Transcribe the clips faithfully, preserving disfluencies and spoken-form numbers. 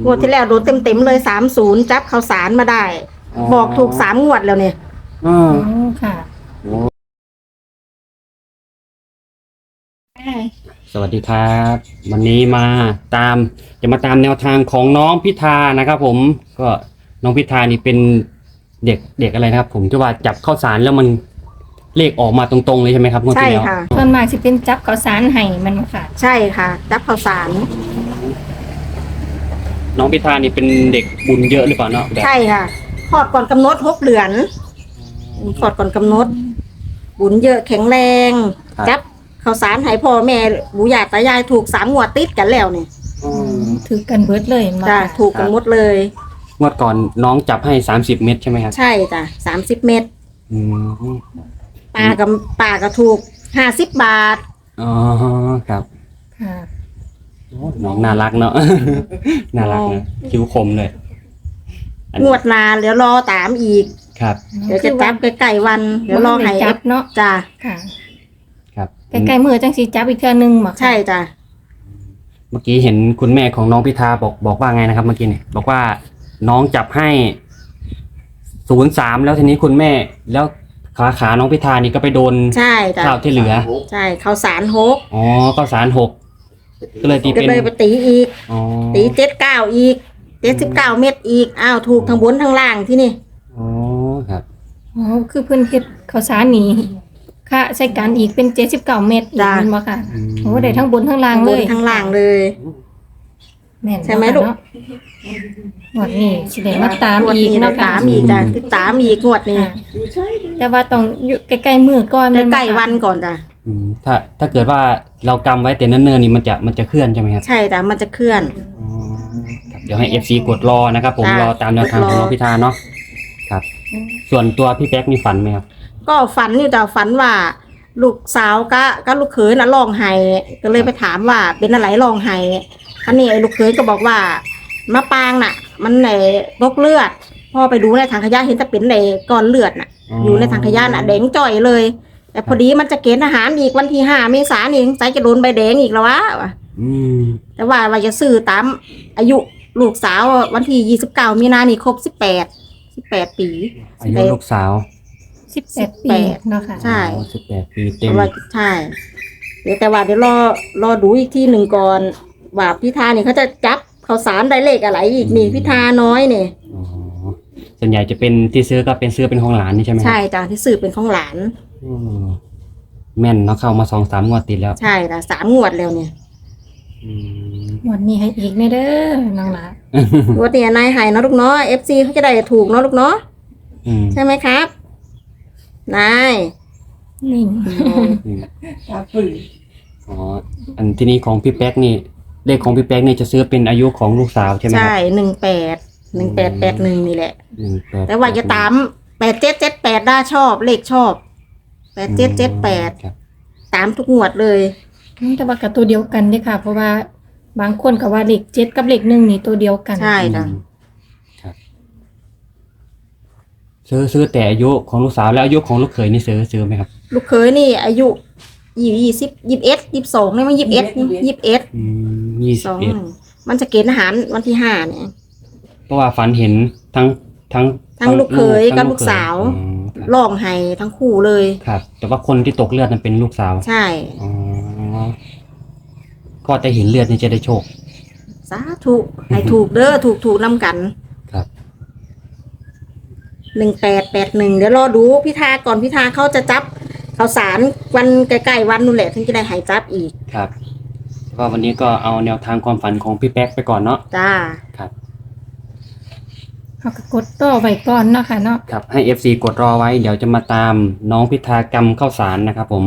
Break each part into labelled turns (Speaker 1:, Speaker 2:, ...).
Speaker 1: งวดที่แล้วโดนเต็มเต็มเลยสามศูนย์จับข้าวสารมาได้บอกถูกสามงวดแล้วเนี่ย
Speaker 2: อ๋อ
Speaker 3: ค่ะ
Speaker 2: สวัสดีครับวันนี้มาตามจะมาตามแนวทางของน้องพิธานะครับผมก็น้องพิธานี่เป็นเด็กเด็กอะไรนะครับผมที่ว่าจับข้าวสารแล้วมันเลขออกมาตรงๆเลยใช่ไหมครับงวดที่แล้ว
Speaker 1: ใช่ค่ะ
Speaker 3: ส่วนมากสิเป็นจับข้าวสารไห้มันค่ะ
Speaker 1: ใช่ค่ะจับข้าวสาร
Speaker 2: น้องพิธานี่เป็นเด็กบุญเยอะหรือเปล่าเนาะ
Speaker 1: ใช่ค่ะคลอดก่อนกำหนดหกเดือนคลอดก่อนกำหนดบุญเยอะแข็งแรงจับข้าวสารให้พ่อแม่บุญญาตายายถูกสามงวดติดกันแล้วเนี่ย
Speaker 3: ถือกันเบิดเลย
Speaker 1: จ้ะถูกกันหมดเลย
Speaker 2: งวดก่อนน้องจับให้สามสิบเม็ดใช่ไหมครับ
Speaker 1: ใช่จ้ะสามสิบเม็ดปลากับปลาก็ถูกห้าสิบบาท
Speaker 2: อ๋อครับ
Speaker 3: ค่ะ
Speaker 2: น้องน่ารักเนาะน่ารักนะคิ้วคมเลย
Speaker 1: งวดนานเดี๋ยวรอตามอีก
Speaker 2: ครับ
Speaker 1: เดี๋ยวจะจับใกล้ๆวันเดี๋ยวรอให้
Speaker 3: จับเนาะ
Speaker 1: จ้ะ
Speaker 3: ค่ะ
Speaker 2: ครับ
Speaker 3: ใกล้ๆมือจังสีจับอีกเทื่อนึงหมอ
Speaker 1: ใช่จ้ะ
Speaker 2: เมื่อกี้เห็นคุณแม่ของน้องพิธาบอกบอกว่าไงนะครับเมื่อกี้เนี่ยบอกว่าน้องจับให้ศูนย์สามแล้วทีนี้คุณแม่แล้วขาขาน้องพิธานี่ก็ไปโดน
Speaker 1: ใช่จ้ะ
Speaker 2: ข้าวที่เหลือ
Speaker 1: ใช่ข้าวสารหก
Speaker 2: อ๋อข้าวสารหกก็เลยตีเป็น
Speaker 1: ก็เลยไปตีอีกตีเจ็ดเก้าอีกเจ็ดสิบเก้าเม็ดอีกอ้าวถูกทั้งบนทั้งล่างที่นี่
Speaker 2: อ๋อครับ
Speaker 3: อ๋อคือเพิ่นเฮ็ดข้าวสารนี่ค่ะใส่กันอีกเป็นเจ็ดสิบเก้าเม็ดจ้ะบ่ค่ะโอ้ได้ทั้งบนทั้งล่างเลย
Speaker 1: ทั้งล่างเลย
Speaker 3: แม่น
Speaker 1: ใช่ไหมลูก
Speaker 3: งวดนี้สิได้มาตามอีกเนาะ
Speaker 1: ตามอีกจ้ะติดตามอีกงวดนี้
Speaker 3: แต่ว่าต้องอยู่ใกล้ๆมือก่อน
Speaker 1: ใกล้วันก่อนจ้ะ
Speaker 2: ถ้าถ้าเกิดว่าเรากำไว้แต่เนิ่นๆนี่มันจะมันจะเคลื่อนใช่ไหมครับ
Speaker 1: ใช่จ้ะมันจะเคลื่อน
Speaker 2: เดี๋ยวให้ เอฟ ซี กดรอนะครับผมรอตามแนวทางของน้องพิธาเนาะครับส่วนตัวพี่แป๊กมีฝันไหมครับ
Speaker 1: ก็ฝันอยู่แต่ฝันว่าลูกสาวก็ก็ลูกเขยน่ะร้องไห้ก็เลยไปถามว่าเป็นอะไรร้องไห้อันนี้ไอ้ลูกเขยก็บอกว่ามะปางน่ะมันไหนตกเลือดพ่อไปดูในถังขยะเห็นแต่เป็นในก้อนเลือดน่ะอยู่ในถังขยะน่ะแดงจ่อยเลยแต่พอดีมันจะเกณฑ์ทหารอีกวันที่ห้าเมษายนนี่ใส่จะโดนใบแดงอีกแล้ววะแต่ว่าว่าจะซื้อตามอายุลูกสาววันที่ยี่สิบเก้ามีนานี่ครบสิบแปดสิบแปดปี
Speaker 2: อายุลูกสาว
Speaker 3: สิบแปดปีเนาะค่ะ
Speaker 1: ใช่
Speaker 2: สิบแปดปีเต็ม
Speaker 1: ใช่เดี๋ยวแต่ว่าเดี๋ยวรอรอดูอีกที่หนึ่งก่อนว่าพิธาเนี่ยเขาจะจับข้าวสารได้เลขอะไรอีกนี่พิธาน้อยเนี่ย
Speaker 2: อ๋อส่วนใหญ่จะเป็นที่ซื้อก็เป็นซื้อเป็นของหลานนี่ใช่ไหม
Speaker 1: ใช่จ้ะที่ซื้อเป็นของหลาน
Speaker 2: แม่นเนาะเข้ามาสองสามงวดติดแล้ว
Speaker 1: ใช่จ้ะสามงวดแล้วเนี่ย
Speaker 3: งวดนี้ให้อีกแน่เด้อน้องหลาน
Speaker 1: งวดนี้นายให้เนาะลูกเนาะเอฟซีเขาจะได้ถูกเนาะลูกเนาะใช่ไหมครับนาย
Speaker 3: นี่
Speaker 2: อ๋ออันที่นี้ของพี่แป๊กนี่เลขของพี่แป๊กนี่จะซื้อเป็นอายุของลูกสาวใช่ไหม
Speaker 1: ใช่หนึ่งแปดหนึ่งแปดแปดหนึ่งนี่แหละแต่ว่าจะตามแปดเจ็ดเจ็ดแปดได้ชอบเลขชอบแปดเจ็ดเจ็ดแปดตามทุกงวดเลย
Speaker 3: แต่ว่ากับตัวเดียวกันเนี่ยค่ะเพราะว่าบางคนก็ว่าเลขเจ็ดกับเลขหนึ่งนี่ตัวเดียวกัน
Speaker 1: ใช่จ้ะ
Speaker 2: ซื้อซื้อแต่อายุของลูกสาวแล้วอายุของลูกเขยนี่ซื้อซื้อไหมครับ
Speaker 1: ลูกเขยนี่อายุยี่ยี่สิบยี่สิบเอ็ดยี่สิบสองนี่มันยี่สิบเอ็ดยี่สิบเอ็ด
Speaker 2: ยี่สิบเอ็ด
Speaker 1: มันจะเกณฑ์ทหารวันที่ห้าเนี่ย
Speaker 2: เพราะว่าฝันเห็นทั้งทั้ง
Speaker 1: ทั้งลูกเขยกับลูกสาวร้องไห้ทั้งคู่เลย
Speaker 2: ครับแต่ว่าคนที่ตกเลือดนั้นเป็นลูกสาว
Speaker 1: ใช่
Speaker 2: อ๋อก็จะเห็นเลือดนี่จะได้โชค
Speaker 1: สาธุให้ถูกเด้อถูกถูกนำกัน
Speaker 2: ครับ
Speaker 1: หนึ่งแปดแปดหนึ่งเดี๋ยวรอดูพิธาก่อนพิธาเขาจะจับข่าวสารวันใกล้ๆวันนู่นแหละถึงจะได้หายจับอีก
Speaker 2: ครับก็วันนี้ก็เอาแนวทางความฝันของพี่แป๊กไปก่อนเนาะ
Speaker 1: จ้า
Speaker 2: ครับ
Speaker 3: เขาก็กดต่อไว้ก่อนเนาะค่ะเนาะ
Speaker 2: ครับให้ เอฟ ซี กดรอไว้เดี๋ยวจะมาตามน้องพิธากรรมข้าวสารนะครับผม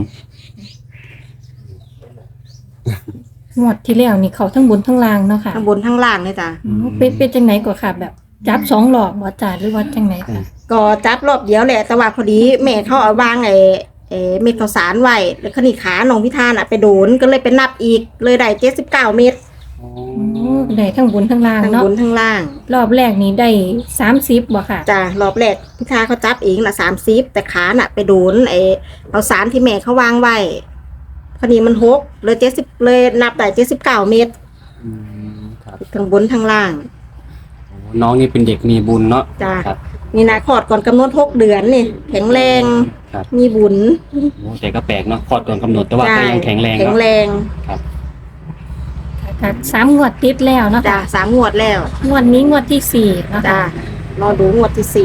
Speaker 3: หมดที่แล้วนี่เขาทั้งบนทั้งล่างเนาะค่ะ
Speaker 1: ทั้งบนทั้งล่างเลยจ้ะ
Speaker 3: เป็นเป็นจังไหนกว่าค่ะแบบจับสองหลอกบ่จ่าหรือว่าจังไหนค่ะ
Speaker 1: ก็จับรอบเดียวแหละแต่ว่าพอดีแม่เขาเอาวางไอ้เอ่อเม็ดข้าวสารไว้แล้วขณีขาน้องพิธาน่ะไปโดนก็เลยไปนับอีกเลยได้เจ็ดสิบเก้าเม็ด
Speaker 3: โอ้ได้ทั้งบนทั้งล่างเนาะ
Speaker 1: ทั้งบนทั้งล่าง
Speaker 3: รอบแรกนี้ได้สามสิบบ่ค่ะ
Speaker 1: จ้ารอบแรกพิธาเขาจับเองละสามสิบแต่ขาน่ะไปโดนไอ้ข้าวสารที่แม่เขาวางไว้พอดีมันหกเลยเจ็ดสิบเลยนับได้เจ็ดสิบเก้าเม็ดทั้งบนทั้งล่าง
Speaker 2: น้องนี่เป็นเด็กมีบุญเนาะ
Speaker 1: จ้า
Speaker 2: ครับ
Speaker 1: นี่นะคลอดก่อนกำหนดหกเดือนนี่แข็งแรง
Speaker 2: ครับ
Speaker 1: มีบุญ
Speaker 2: โอ้แต่ก็แปลกเนาะคลอดก่อนกำหนดแต่ว่าก็ยังแข็งแรง
Speaker 1: แข็ง
Speaker 2: เนาะ
Speaker 1: แรง
Speaker 2: ครับ
Speaker 3: ก็สามงวดติดแล้วเนาะ
Speaker 1: จ้า
Speaker 3: ค่ะ
Speaker 1: สามงวดแล้ว
Speaker 3: งวดนี้งวดที่สี่เนาะ
Speaker 1: จ้า
Speaker 3: ค่ะ
Speaker 1: รอดูงวดที่สี่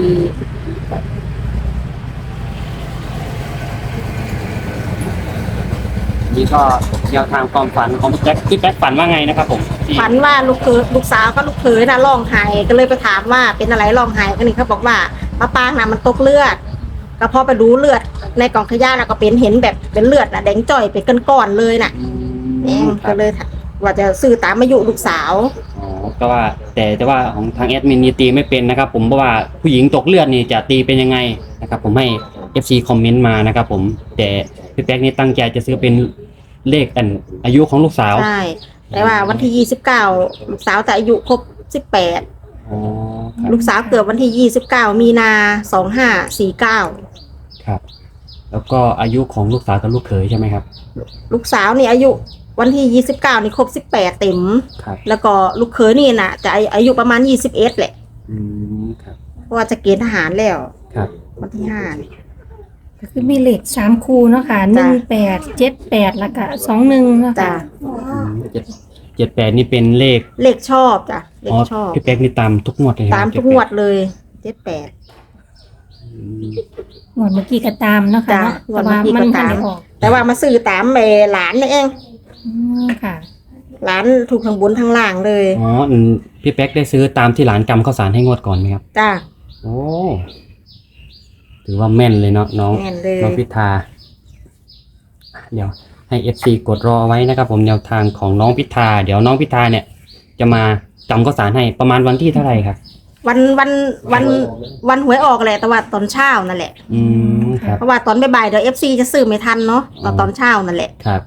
Speaker 2: นี่ก็แนวทางความฝันของพี่แจ็คพี่แจ็คฝันว่าไงนะครับผมที่
Speaker 1: ฝันว่าลูกเขยลูกสาวกับลูกเขยน่ะร้องไห้ก็เลยไปถามว่าเป็นอะไรร้องไห้ก็นี่เขาบอกว่ามะปรางน่ะมันตกเลือด ก็พอไปดูเลือดในกล่องขยะน่ะก็เป็นเห็นแบบเป็นเลือดน่ะแดงจ่อยเป็นก้อนๆเลยน่ะ
Speaker 2: อื
Speaker 1: เอง
Speaker 2: มครั
Speaker 1: ก็
Speaker 2: บ
Speaker 1: เลยว่าจะซื้อตามอายุลูกสาว
Speaker 2: อ๋อก็ว่าแต่แต่ว่าของทางแอดมินนี่ตีไม่เป็นนะครับ ผมเพราะว่าผู้หญิงตกเลือดนี่จะตีเป็นยังไงนะครับ ผมให้ เอฟ ซี คอมเมนต์มานะครับ ผมแต่พี่แจ็คนี่ตั้งใจจะซื้อเป็นเลขอันอายุของลูกสาว
Speaker 1: ใช่ แต่ว่าวันที่ยี่สิบเก้าลูกสาวแต่อายุครบสิบแปด
Speaker 2: อ๋อครับ
Speaker 1: ลูกสาวเกิดวันที่ยี่สิบเก้ามีนาสองห้าสี่เก้า
Speaker 2: ครับ แล้วก็อายุของลูกสาวกับลูกเขยใช่ไหมครับ
Speaker 1: ลูกสาวนี่อายุวันที่ยี่สิบเก้านี่ครบสิบแปดเต็ม
Speaker 2: ครับ
Speaker 1: แล้วก็ลูกเขยนี่น่ะ จะอายุประมาณยี่สิบเอ็ดแหละ
Speaker 2: อืมครับ
Speaker 1: เพราะว่าจะเกณฑ์ทหารแล้ว
Speaker 2: ครับ
Speaker 1: วันที่ห้านี่
Speaker 3: ก็คือมีเลขสามคู่เนาะค่ะห
Speaker 1: จ้ะ
Speaker 3: นึ่งแปดเจ็ดแปดแล้วก็สองหนึ่งเนาะ
Speaker 1: จ้ะ
Speaker 3: ค่ะ
Speaker 2: อืมเจ็ดเจ็ดแปดนี่เป็นเลข
Speaker 1: เลขชอบจ้ะเล
Speaker 2: อ๋
Speaker 1: ข
Speaker 2: อ
Speaker 1: ชอบ
Speaker 2: พี่แป๊กนี่ตามทุกงวดเลยครับ
Speaker 1: ตามทุกงวดเลยเจ็ดแปด
Speaker 2: อืม
Speaker 3: งวดเมื่อกี้ก็ตามเนาะค่ะ
Speaker 1: จ้ะ
Speaker 3: เนาะ
Speaker 1: งว
Speaker 3: แต่
Speaker 1: ดเมื่
Speaker 3: ว่า
Speaker 1: อกี้ก็
Speaker 3: มันทัน
Speaker 1: ตาม
Speaker 3: ได้ออก
Speaker 1: แต่ว่ามาซื้อตามเออหลานนี่เอง
Speaker 3: อืมค่ะ
Speaker 1: หลานถูกทั้งบนทั้งล่างเลย
Speaker 2: อ๋ออืมพี่แป๊กได้ซื้อตามที่หลานกำข้าวสารให้งวดก่อนไหมครับ
Speaker 1: จ้า
Speaker 2: โอ้ถือว่าแม่นเลยเนาะน้อง
Speaker 1: แม่นเลย
Speaker 2: น้องพิธาเดี๋ยวให้ เอฟ ซี กดรอไว้นะครับ ผมแนวทางของน้องพิธาเดี๋ยวน้องพิธาเนี่ย จะมากำข้าวสารให้ประมาณวันที่เท่าไหร่ครับ
Speaker 1: วันวันวันวันหวยออกแหละแต่ว่าตอนเช้านั่นแหละ
Speaker 2: อืมครับ
Speaker 1: เพราะว่าตอนบ่ายๆเดี๋ยวเอฟซีจะซื้อไม่ทันเนาะตอน
Speaker 2: อ๋อ
Speaker 1: ตอนเช้านั่นแหละ
Speaker 2: ครับ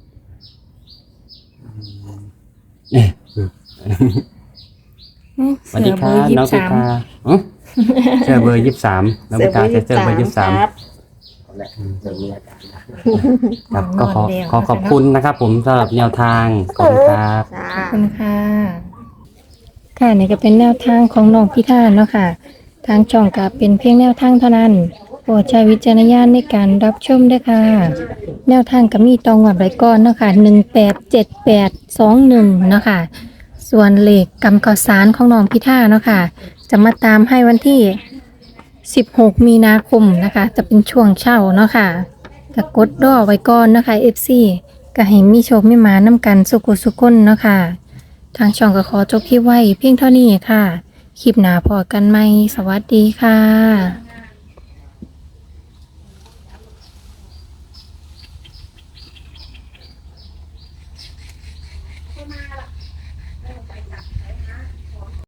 Speaker 2: เอ๊ะ
Speaker 3: อืม
Speaker 2: สวัสดีครั
Speaker 3: เสื
Speaker 2: บ
Speaker 3: เบอร์ยี่
Speaker 2: น้อง
Speaker 3: สิ
Speaker 2: พิ
Speaker 3: บสาม
Speaker 2: ธาอ๋อเสื้อเบอร์ยี่สิบสามน้องพิธาใส่เสื้อเบอร์ยี่สิบสาม
Speaker 1: ครับ
Speaker 2: ครับก็ขอขอขอบคุณนะครับ ผมสำหรับแนวทางขอบคุณครับ
Speaker 1: จ้า
Speaker 3: ขอบคุณค่ะ ค่ะนี่ก็เป็นแนวทางของน้องพิธาเนาะค่ะ ทางช่องก็เป็นเพียงแนวทางเท่านั้นโปรดใช้วิจารณญาณในการรับชมด้วยค่ะ แนวทางก็มีตองหวัดไว้ก่อนเนาะค่ะหนึ่งแปดเจ็ดแปดสองหนึ่งเนาะค่ะ ส่วนเลขกำข้าวสารของน้องพิธาเนาะค่ะ จะมาตามให้วันที่สิบหกมีนาคมนะคะ จะเป็นช่วงเช้าเนาะค่ะก็กดรอไว้ก่อนนะคะ เอฟ ซี ก็ให้มีโชคมีหมาน้ำกันสุขุสุขคนเนาะค่ะ ทางช่องก็ขอจบคลิปไว้เพียงเท่านี้ค่ะ คลิปหน้าพอกันไหม สวัสดีค่ะ